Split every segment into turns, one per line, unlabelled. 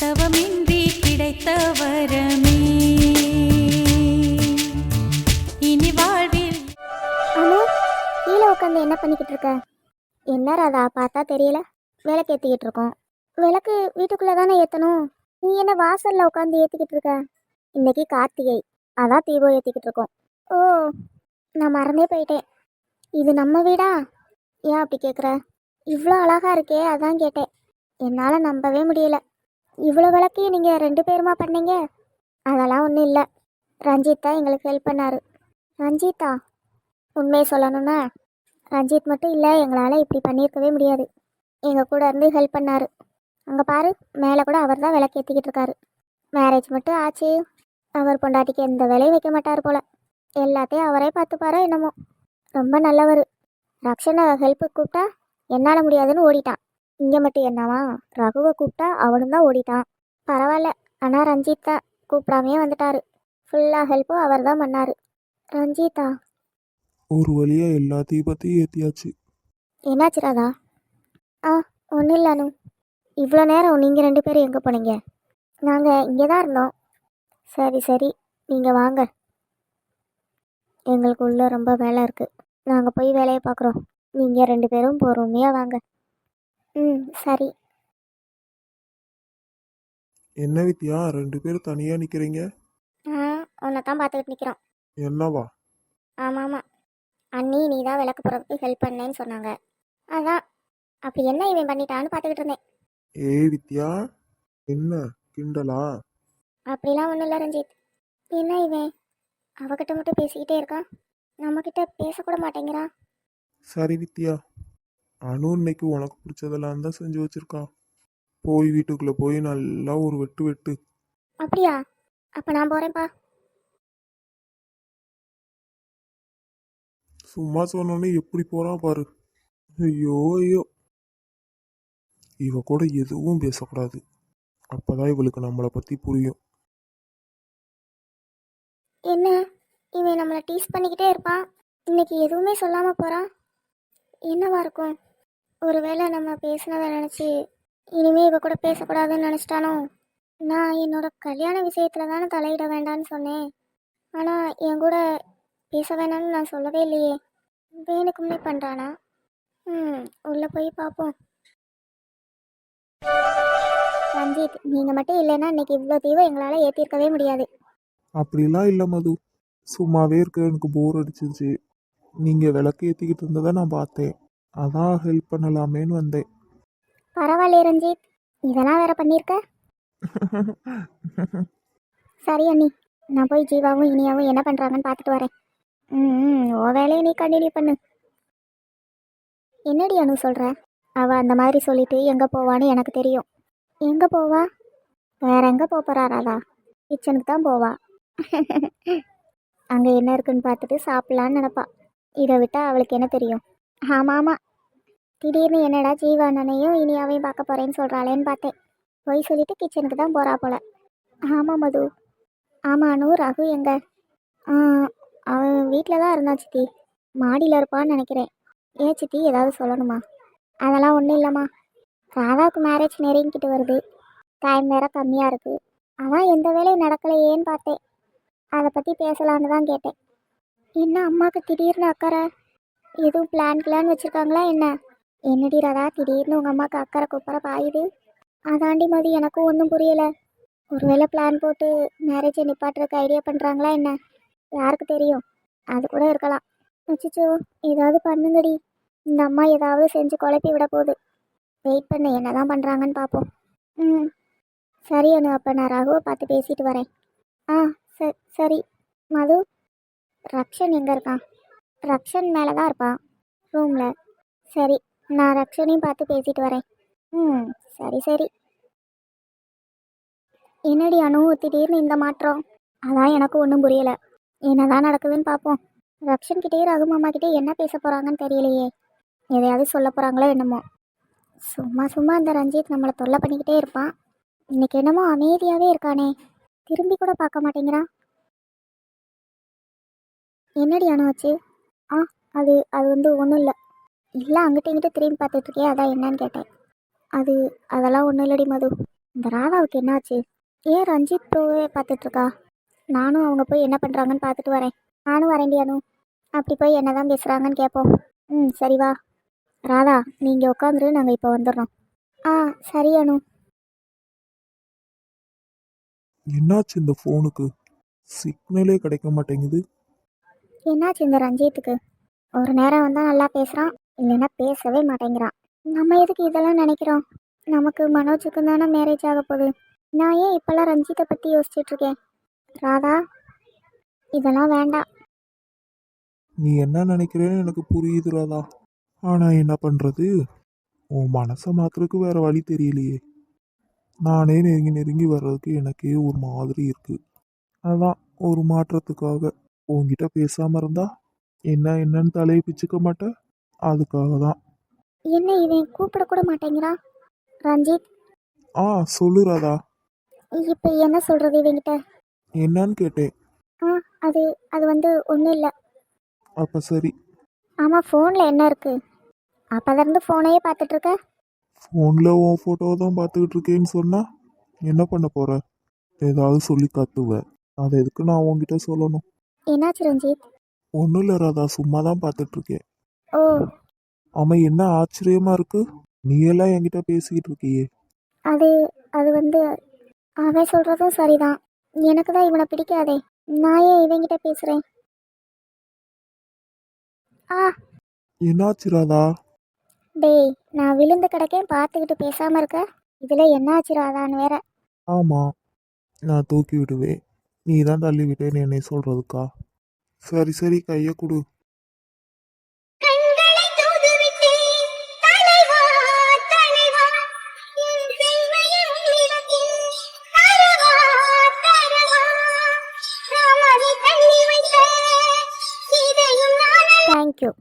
தவமின்றி கிடைத்த வரமே இனி வாழ்வில்.
அனு, கீழே உட்காந்து என்ன பண்ணிக்கிட்டு இருக்க? என்ன ராதா, பார்த்தா தெரியல. விளக்கு ஏற்றிக்கிட்டு இருக்கோம். விளக்கு வீட்டுக்குள்ளே தானே ஏற்றணும். நீ என்ன வாசலில் உட்காந்து ஏற்றிக்கிட்டு இருக்க? இன்னைக்கு கார்த்திகை, அதான் தீபம் ஏற்றிக்கிட்டு இருக்கோம். ஓ, நான் மறந்தே போயிட்டேன். இது நம்ம வீடா? ஏன் அப்படி கேட்குற? இவ்வளோ அழகா இருக்கே, அதான் கேட்டேன். என்னால் நம்பவே முடியல. இவ்வளோ விளக்கையும் நீங்கள் 2 பேருமா பண்ணீங்க? அதெல்லாம் ஒன்றும் இல்லை, ரஞ்சித் தான் எங்களுக்கு ஹெல்ப் பண்ணார். ரஞ்சித்தா? உண்மையை சொல்லணும்னா ரஞ்சித் மட்டும் இல்லை, எங்களால் இப்படி பண்ணியிருக்கவே முடியாது. எங்கள் கூட இருந்து ஹெல்ப் பண்ணார். அங்கே பாரு, மேலே கூட அவர் தான் விளக்கு ஏற்றிக்கிட்டு இருக்காரு. மேரேஜ் மட்டும் ஆச்சு, அவர் பொண்டாட்டிக்கு எந்த வேலையும் வைக்க மாட்டார் போல். எல்லாத்தையும் அவரே பார்த்துப்பாரோ என்னமோ. ரொம்ப நல்லவர். ரக்ஷனை ஹெல்ப்புக்கு கூப்பிட்டா என்னால் முடியாதுன்னு ஓடிட்டான். இங்கே மட்டும் என்னவா, ரகுவை கூப்பிட்டா அவனும் தான் ஓடிட்டான். பரவாயில்ல, ஆனால் ரஞ்சித் தான் கூப்பிடாமையே வந்துட்டார். ஃபுல்லாக ஹெல்ப்பும் அவர் தான் பண்ணார். ரஞ்சித்தா?
ஒரு வழியா எல்லா தீபத்தையும் ஏற்றியாச்சு.
என்னாச்சு ராதா? ஆ, ஒன்றும் இல்லை அனு. இவ்வளோ நேரம் நீங்கள் 2 பேரும் எங்கே போனீங்க? நாங்கள் இங்கே தான் இருந்தோம். சரி சரி, நீங்கள் வாங்க. எங்களுக்கு உள்ளே ரொம்ப வேலை இருக்குது, நாங்கள் போய் வேலையை பார்க்குறோம். நீங்கள் 2 பேரும் பொறுமையாக வாங்க. ம், சரி.
என்ன வித்யா, 2 பேரும் தனியாக நிற்கிறீங்க?
ஆ, உன்னை தான் பார்த்துக்கிட்டு நிற்கிறோம்.
என்னவா?
ஆமாம் ஆமாம், அண்ணி நீ தான் விளக்கு போகிறதுக்கு ஹெல்ப் பண்ணேன்னு சொன்னாங்க. அதான், அப்படி என்ன இவன் பண்ணிட்டான்னு பார்த்துக்கிட்டு இருந்தேன்.
ஏய் வித்யா, என்ன கிண்டலா?
அப்படிலாம் ஒன்றும் இல்லை ரஞ்சித். என்ன இவன் அவகிட்ட மட்டும் பேசிக்கிட்டே இருக்கான், நம்மக்கிட்ட பேசக்கூட மாட்டேங்கிறான்.
சரி வித்யா, அனு இன்னைக்கு உனக்கு பிடிச்சதெல்லாம் தான் செஞ்சு வச்சிருக்கா. போய் வீட்டுக்குள்ளே போய் நல்லா ஒரு வெட்டு வெட்டு.
அப்படியா? அப்போ நான் போகிறேன்ப்பா.
சும்மா சொன்னோன்னே எப்படி போறா பாரு. ஐயோ ஐயோ, இவ கூட எதுவும் பேசக்கூடாது, அப்பதான் இவளுக்கு நம்மளை பற்றி புரியும்.
என்ன, இவன் நம்மளை டீஸ் பண்ணிக்கிட்டே இருப்பான், இன்னைக்கு எதுவுமே சொல்லாமல் போகிறான். என்னவா இருக்கும்? ஒருவேளை நம்ம பேசினதை நினச்சி இனிமே இவ கூட பேசக்கூடாதுன்னு நினச்சிட்டானோ? நான் என்னோட கல்யாண விஷயத்தில் தானே தலையிட வேண்டான்னு சொன்னேன், ஆனால் என் கூட பேச வேணாம்னு நான் சொல்லவே இல்லையே. வேணுக்குமே பண்ணுறானா? உள்ளே போய் பார்ப்போம். ரஞ்சித், நீங்கள் மட்டும் இல்லைன்னா இன்னைக்கு இவ்வளோ தீவை எங்களால் ஏற்றிருக்கவே முடியாது.
அப்படிலாம் இல்லை மது, சும்மாவே இருக்க எனக்கு போர் அடிச்சிருச்சு. நீங்கள் விளக்கு ஏற்றிக்கிட்டு இருந்ததை நான் பார்த்தேன், அதான் ஹெல்ப் பண்ணலாமேன்னு வந்தேன்.
பரவாயில்ல ரஞ்சித், இதெல்லாம் வேற பண்ணியிருக்க. சரி அண்ணி, நான் போய் ஜீவாவும் இனியாவும் என்ன பண்ணுறாங்கன்னு பார்த்துட்டு வரேன். ஓ வேலையை நீ கண்டினியூ பண்ணு. என்னடி அனு சொல்கிற? அவள் அந்த மாதிரி சொல்லிட்டு எங்கே போவான்னு எனக்கு தெரியும். எங்கே போவா? வேற எங்கே போகிறாராதா? கிச்சனுக்கு தான் போவா. அங்கே என்ன இருக்குன்னு பார்த்துட்டு சாப்பிட்லான்னு நினப்பா. இதை விட்டால் அவளுக்கு என்ன தெரியும்? ஆமாம் ஆமாம், திடீர்னு என்னடா ஜீவானனையும் இனியாவையும் பார்க்க போகிறேன்னு சொல்கிறாளேன்னு பார்த்தேன். போய் சொல்லிட்டு கிச்சனுக்கு தான் போகிறா போல. ஆமாம் மது. ஆமாம் அனு, ரகு எங்க? அவன் வீட்டில் தான் இருந்தான் சித்தி, மாடியில் இருப்பான்னு நினைக்கிறேன். ஏன் சித்தி, ஏதாவது சொல்லணுமா? அதெல்லாம் ஒன்றும் இல்லைம்மா, ராதாவுக்கு மேரேஜ் நெருங்கிக்கிட்டு வருது, டைம் வேற கம்மியாக இருக்குது, அதான் எந்த வேலையும் நடக்கலையேன்னு பார்த்தேன். அதை பற்றி பேசலான்னு தான் கேட்டேன். என்ன அம்மாவுக்கு திடீர்னு அக்கறை? எதுவும் பிளான் வச்சுருக்காங்களா என்ன? என்னடி ராதா, திடீர்னு உங்கள் அம்மாவுக்கு அக்கறை கூப்பிட்ற பாயுது? அதாண்டி மதி, எனக்கும் ஒன்றும் புரியலை. ஒருவேளை பிளான் போட்டு மேரேஜை நிப்பாட்டுறதுக்கு ஐடியா பண்ணுறாங்களா என்ன? யாருக்கு தெரியும், அது கூட இருக்கலாம். அச்சோ, ஏதாவது பண்ணுங்கடி, இந்த அம்மா ஏதாவது செஞ்சு குழப்பி விட போகுது. வெயிட் பண்ணு, என்ன தான் பண்ணுறாங்கன்னு பார்ப்போம். சரி அனு, அப்போ நான் ரகுவை பார்த்து பேசிட்டு வரேன். ஆ சரி. மது, ரக்ஷன் எங்கே இருக்கான்? ரக்ஷன் மேலே தான் இருப்பான், ரூமில். சரி, நான் ரக்ஷனையும் பார்த்து பேசிட்டு வரேன். சரி சரி. என்னடி அனு, திடீர்னு இந்த மாற்றம்? அதான் எனக்கு ஒன்றும் புரியலை. என்னதான் நடக்குதுன்னு பார்ப்போம். ரக்ஷன்கிட்டே ரகு மாமாக்கிட்டே என்ன பேச போகிறாங்கன்னு தெரியலையே. எதையாவது சொல்ல போகிறாங்களோ என்னமோ. சும்மா அந்த ரஞ்சித் நம்மளை தொல்லை பண்ணிக்கிட்டே இருப்பான். இன்னைக்கு என்னமோ அமைதியாகவே இருக்கானே, திரும்பி கூட பார்க்க மாட்டேங்கிறான். என்னடி அனு ஆச்சு? அது அது ஒன்றும் இல்லை. இல்லை, அங்கிட்ட இங்கிட்ட திரும்பி பார்த்துட்ருக்கே, அதான் என்னன்னு கேட்டேன். அதெல்லாம் ஒன்றும் இல்லடி மது. இந்த ராதாவுக்கு என்னாச்சு? ஏன் ரஞ்சித் ப்ரோவே பார்த்துட்டு இருக்கா? நானும் அவங்க போய் என்ன பண்ணுறாங்கன்னு பார்த்துட்டு வரேன். நானும் வரேன்டி அனு. அப்படி போய் என்னதான் பேசுகிறாங்கன்னு கேட்போம். ம் சரி வா. ராதா நீங்கள் உட்காந்துரு, நாங்கள் இப்போ வந்துடுறோம். ஆ சரி அனு.
என்னாச்சு இந்த ஃபோனுக்கு? சிக்னலே கிடைக்க மாட்டேங்குது.
என்னாச்சு இந்த ரஞ்சித்துக்கு? ஒரு நேரம் வந்தால் நல்லா பேசுகிறான், இல்லைன்னா பேசவே மாட்டேங்கிறான். நம்ம எதுக்கு இதெல்லாம் நினைக்கிறோம்? நமக்கு மனோஜுக்கு தானே மேரேஜ் ஆக போகுது. நான் ஏன் இப்போல்லாம் ரஞ்சித்தை பற்றி யோசிச்சுட்ருக்கேன்? ராதா இதெல்லாம் வேண்டாம்.
நீ என்ன நினைக்கிறேன்னு எனக்கு புரியுது ராதா. ஆனா என்ன பண்றது? உன் மனசை மாத்துறதுக்கு வேற வழி தெரியலையே. நானே நெருங்கி நெருங்கி வர்றதுக்கு எனக்கே ஒரு மாதிரி இருக்கு. அதான் ஒரு மாற்றத்துக்காக உன்கிட்ட பேசாம இருந்தா என்னன்னு தலையை பிச்சுக்க மாட்டேன். அதுக்காக தான்.
என்ன இவன் கூப்பிடக்கூட மாட்டேங்கிறான்? ரஞ்சித்
ஆ சொல்லு ராதா.
இப்போ என்ன சொல்கிறது இவங்கிட்ட?
என்னன்னு கேட்டேன்.
ஆ அது அது வந்து ஒன்றும் இல்லை.
அப்ப சரி.
ஆமாம் ஃபோனில் என்ன இருக்குது? அப்போதிருந்து ஃபோனையே பார்த்துட்ருக்க.
ஃபோன்ல உன் ஃபோட்டோ தான் பார்த்துக்கிட்டு இருக்கேன்னு சொன்னா என்ன பண்ண போற? ஏதாவது சொல்லி கத்துவ. அதை எதுக்கு நான் உன்கிட்ட சொல்லணும்?
என்னாச்சு ரஞ்சித்?
ஒன்றும் இல்லை ராதா, சும்மா தான் பார்த்துட்டு இருக்கேன்.
ஓ
ஆமா, என்ன ஆச்சரியமா இருக்கு? நீ எல்லாம் என்கிட்ட பேசிக்கிட்டு இருக்கியே.
அது அது வந்து அவன் சொல்கிறதும் சரிதான். எனக்கு தான் இவனை பிடிக்காதே. நான் ஏன் இவங்கிட்ட பேசுகிறேன்? ஆ
என்னாச்சு ராதா?
டேய் நான் விழுந்து கிடக்கேன் பார்த்துக்கிட்டு பேசாமல் இருக்க. இதில் என்னாச்சு ராதான்னு வேற.
ஆமா, நான் தூக்கி விடுவேன். நீ தான் தள்ளி விட்டேன்னு என்னை சொல்றதுக்கா? சரி சரி, கையை கொடு.
தேங்க்யூ.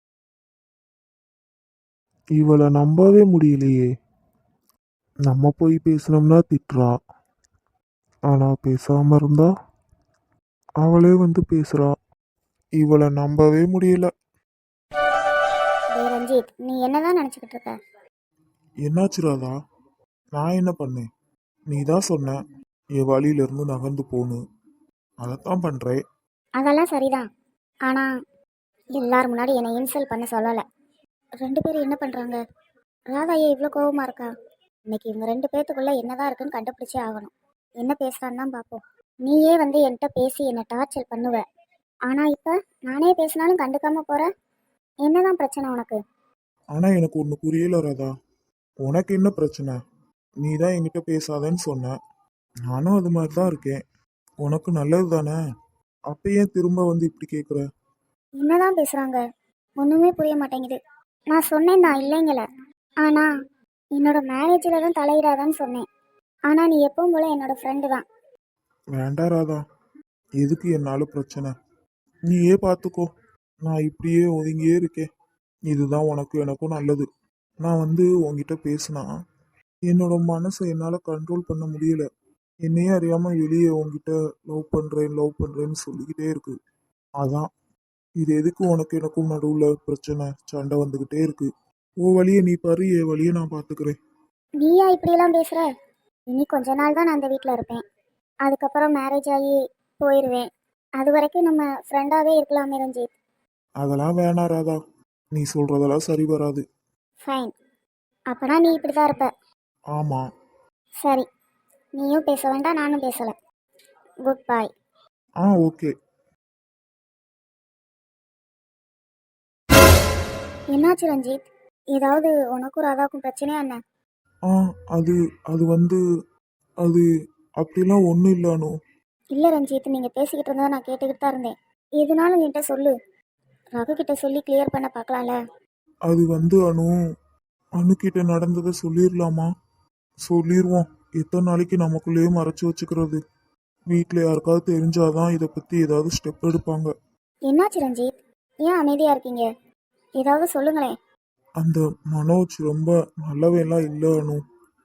இவளை நம்பவே முடியலையே. நம்ம போய் பேசினோம்னா திட்டுறா, ஆனா பேசாம இருந்தா அவளே வந்து பேசுறா. இவளை நம்பவே முடியல.
டேய் ரஞ்சித் நீ என்னதான் நினச்சிக்கிட்டு இருக்க?
என்னாச்சு ராதா? நான் என்ன பண்ணேன்? நீ தான் சொன்ன என் வழியிலிருந்து நகர்ந்து போன்னு. அதைத்தான் பண்றேன்.
அதெல்லாம் சரிதான். ஆனால் எல்லாரும் முன்னாடி என்னை இன்சல்ட் பண்ண சொல்லலை. ரெண்டு பேரும் என்ன பண்ணுறாங்க? ராதா ஏன் இவ்வளோ கோவமாக இருக்கா? இன்னைக்கு இவங்க ரெண்டு பேர்த்துக்குள்ளே என்னதான் இருக்குன்னு கண்டுபிடிச்சே ஆகணும். என்ன பேசுகிறான்னு தான் பார்ப்போம். நீயே வந்து என்கிட்ட பேசி என்னை டார்ச்சர் பண்ணுவ. ஆனால் இப்போ நானே பேசினாலும் கண்டுக்காம போகிற. என்னதான் பிரச்சனை உனக்கு?
ஆனா எனக்கு ஒன்று புரியல ராதா. உனக்கு என்ன பிரச்சனை? நீ தான் என்கிட்ட பேசாதன்னு சொன்ன. நானும் அது மாதிரி தான் இருக்கேன். உனக்கு நல்லது தானே. அப்ப ஏன் திரும்ப வந்து இப்படி கேட்குற?
என்னதான் பேசுகிறாங்க? ஒன்றுமே புரிய மாட்டேங்குது. நான் சொன்னேன் தான் இல்லைங்கள. ஆனால் என்னோட மேரேஜில் தான் தலையிடாதான்னு சொன்னேன். ஆனால் நீ எப்பவும் போல என்னோட ஃப்ரெண்டு தான்.
வேண்டாம் ராதா, எதுக்கு என்னால பிரச்சனை? நீயே பார்த்துக்கோ. நான் இப்படியே ஒதுங்கியே இருக்கேன். இதுதான் உனக்கு எனக்கும் நல்லது. நான் வந்து உன்கிட்ட பேசினா என்னோட மனசை என்னால் கண்ட்ரோல் பண்ண முடியல. என்னையே அறியாமல் வெளியே உன்கிட்ட லவ் பண்ணுறேன்னு சொல்லிக்கிட்டே இருக்கு. அதான் இது எதுக்கு உனக்கு எனக்கும் நடுவில் பிரச்சனை, சண்டை வந்துக்கிட்டே இருக்கு. ஓ வழியை நீ பாரு, என் வழியை நான் பார்த்துக்கிறேன்.
நீயா இப்படியெல்லாம் பேசுகிற? இனி கொஞ்ச நாள் தான் நான் அந்த வீட்டில் இருப்பேன். அதுக்கப்புறம் மேரேஜ் ஆகி போயிடுவேன். அது வரைக்கும் நம்ம ஃப்ரெண்டாகவே இருக்கலாமே ரஞ்சித்.
அதெல்லாம் வேணாம் ராதா, நீ சொல்றதெல்லாம் சரி வராது.
ஃபைன். அப்போனா நீ இப்படி தான் இருப்ப.
ஆமாம்.
சரி, நீயும் பேச வேண்டாம், நானும் பேசலை. Good bye.
ஓகே.
என்னாச்சு ரஞ்சித்? ஏதாவது உனக்கும் ராதாவுக்கும் பிரச்சனையா என்ன?
ஆ அது அது வந்து அது அப்படிலாம் ஒன்றும் இல்லைனோ.
இல்லை ரஞ்சித், நீங்கள் பேசிக்கிட்டு இருந்தால் நான் கேட்டுக்கிட்டு தான் இருந்தேன். எதுனாலும் என்கிட்ட சொல்லு. ரகு கிட்ட சொல்லி கிளியர் பண்ண பார்க்கலாம்ல.
அது வந்து அணுக்கிட்ட நடந்ததை சொல்லிடலாமா? சொல்லிடுவோம். எத்தனை நாளைக்கு நமக்குள்ளேயே மறைச்சு வச்சுக்கிறது? வீட்டில் யாருக்காவது தெரிஞ்சாதான் இதை பற்றி ஏதாவது ஸ்டெப் எடுப்பாங்க.
என்னாச்சு ரஞ்சித்? ஏன் அமைதியாக இருக்கீங்க? ஏதாவது சொல்லுங்களேன்.
அந்த மனோஜ் ரொம்ப நல்லவெல்லாம் இல்லை அனு.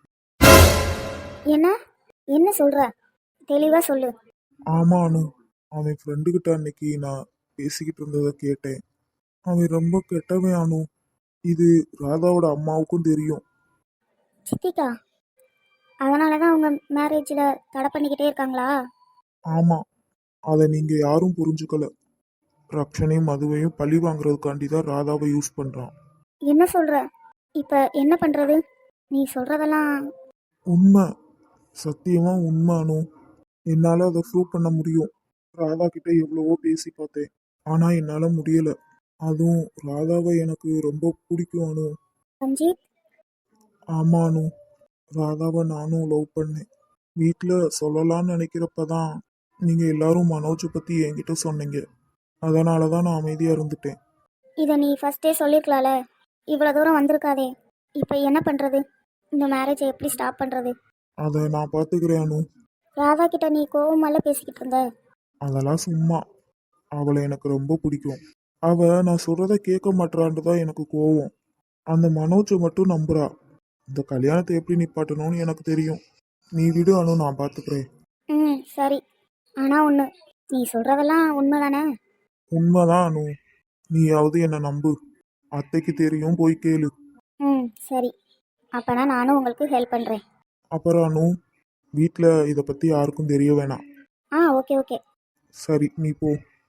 என்ன என்ன சொல்கிற? தெளிவாக சொல்லு.
ஆமாம் அனு, அவன் ஃப்ரெண்டுக்கிட்ட அன்னைக்கு நான் பேசிக்கிட்டு இருந்ததை கேட்டேன். அவன் ரொம்ப கெட்டவன் அனு. இது ராதாவோட அம்மாவுக்கும் தெரியும்.
சித்திகா, அதனால தான் அவங்க மேரேஜில் தடை பண்ணிக்கிட்டே இருக்காங்களா?
ஆமாம், அதை நீங்கள் யாரும் புரிஞ்சுக்கல. ரக்ஷனையும் மதுவையும் பழி வாங்குறதுக்காண்டி தான் ராதாவை யூஸ் பண்ணுறான்.
என்ன சொல்கிற? இப்போ என்ன பண்ணுறது? நீ சொல்கிறதெல்லாம்
உண்மை, சத்தியமாக உண்மை அனு. என்னால் அதை ப்ரூவ் பண்ண முடியும். ராதா கிட்ட எவ்வளவோ பேசி பார்த்தேன், ஆனால் என்னால் முடியலை. அதுவும் ராதாவை எனக்கு ரொம்ப பிடிக்கும் அனு.
ரஞ்சித்.
ஆமா அனு, ராதாவை நானும் லவ் பண்ணேன். வீட்டில் சொல்லலாம்னு நினைக்கிறப்ப தான் நீங்கள் எல்லாரும் மனோஜை பற்றி என்கிட்ட சொன்னீங்க. அதனால தான் நான் அமைதியாக இருந்துட்டேன்.
இதை நீ ஃபஸ்ட்டே சொல்லியிருக்கலாம்ல. இவ்வளோ தூரம் வந்திருக்காதே. இப்போ என்ன பண்ணுறது? இந்த மேரேஜை எப்படி ஸ்டாப் பண்ணுறது?
அதை நான் பார்த்துக்கிறேன் அனு.
ராதா கிட்ட நீ கோவமால பேசிக்கிட்டு இருந்த.
அதெல்லாம் சும்மா. அவளை எனக்கு ரொம்ப பிடிக்கும். அவள் நான் சொல்கிறத கேட்க மாட்டான்ட்டு தான் எனக்கு கோவம். அந்த மனோஜை மட்டும் நம்புறா. இந்த கல்யாணத்தை எப்படி நிப்பாட்டணும்னு எனக்கு தெரியும். நீ விடு அனு, நான் பார்த்துக்கிறேன்.
ம், சரி. ஆனால் ஒன்று, நீ சொல்கிறதெல்லாம் உண்மை தானே?
உண்மைதான் அனு, நீயாவது என்னை நம்பு. அத்தைக்கு தெரியும், போய் கேளு.
ம், சரி. அப்போனா நானும் உங்களுக்கு ஹெல்ப் பண்ணுறேன்.
அப்புறம் அனு, வீட்டில் இதை பற்றி யாருக்கும் தெரிய வேணாம்.
Okay okay.
சரி, நீ போ.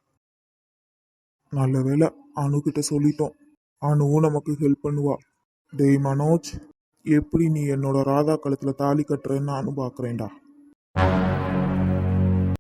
நல்ல வேளை அணுகிட்ட சொல்லிட்டோம். அணுவும் நமக்கு ஹெல்ப் பண்ணுவா. டேய் மனோஜ், எப்படி நீ என்னோட ராதா கழுத்தில் தாலி கட்டுறேன்னு நானும் பார்க்குறேன்டா.